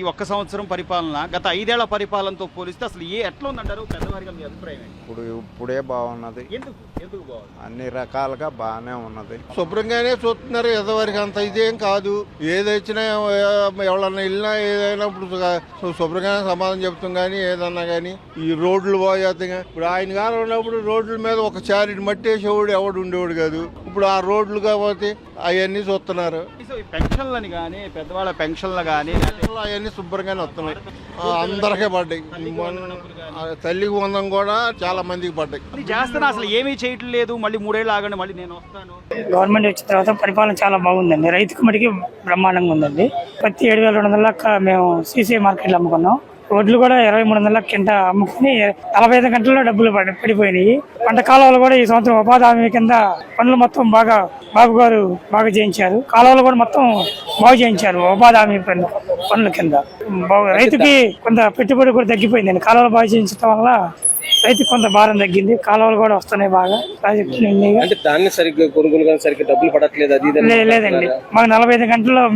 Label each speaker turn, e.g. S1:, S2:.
S1: ఈ ఒక్క సంవత్సరం పరిపాలన గత 5 ఏళ్ల పరిపాలనతో పోలిస్తే అసలు ఎట్లా ఉందంటారు పెద్దవారిగా మీ అభిప్రాయం?
S2: ఇప్పుడే బాగున్నది,
S1: ఎందుకు బాగుంది?
S2: అన్ని రకాలుగా బాగానే ఉన్నది.
S3: శుభ్రంగానే చూస్తున్నారు. ఎదవరికి అంత ఇదేం కాదు. ఏదొచ్చినా ఎవరన్నా వెళ్ళినా ఏదైనా ఇప్పుడు శుభ్రంగానే సమాధానం చెప్తాం. కానీ ఏదన్నా కానీ ఈ రోడ్లు పోయేతగా ఇప్పుడు ఆయన గారు ఉన్నప్పుడు రోడ్ల మీద ఒక చారిటి మట్టేసేవాడు ఎవడు ఉండేవాడు కాదు. ఇప్పుడు ఆ రోడ్లు కాకపోతే అవన్నీ చూస్తున్నారు.
S1: పెన్షన్లని కానీ పెద్దవాళ్ళ పెన్షన్లు కానీ
S3: అవన్నీ శుభ్రంగానే వస్తున్నాయి. అందరికీ పడ్డాయి. తల్లికి వందం కూడా చాలా మందికి పడ్డాయి.
S1: చేస్తున్నా అసలు ఏమీ చేయట్లేదు. మళ్ళీ 3 ఏళ్ళు ఆగండి, మళ్ళీ నేను వస్తాను.
S4: గవర్నమెంట్ వచ్చిన తర్వాత పరిపాలన చాలా బాగుందండి. రైతుకు మటుకి బ్రహ్మాండంగా ఉందండి. ప్రతి 7,200 మేము సీసీ మార్కెట్లో అమ్ముకున్నాం. వడ్లు కూడా 2300 కింద అమ్ముకుని 45 గంటల్లో డబ్బులు పడిపోయినాయి. పంట కాలువలు కూడా ఈ సంవత్సరం ఉపాధి హామీ కింద పనులు మొత్తం బాబు గారు బాగా చేయించారు. కాలువలు కూడా మొత్తం బాగు చేయించారు ఉపాధి హామీ పనుల కింద. రైతుకి కొంత పెట్టుబడి కూడా తగ్గిపోయిందండి. కాలువలు బాగా చేయించడం వల్ల రైతుకి కొంత భారం తగ్గింది. కాలువలు కూడా వస్తున్నాయి బాగా. ప్రాజెక్టులు
S5: ధాన్యం సరిగ్గా కొనుగోలు సరిగ్గా డబ్బులు పడట్లేదు. అది
S4: లేదండి, మాకు 45 గంటల్లో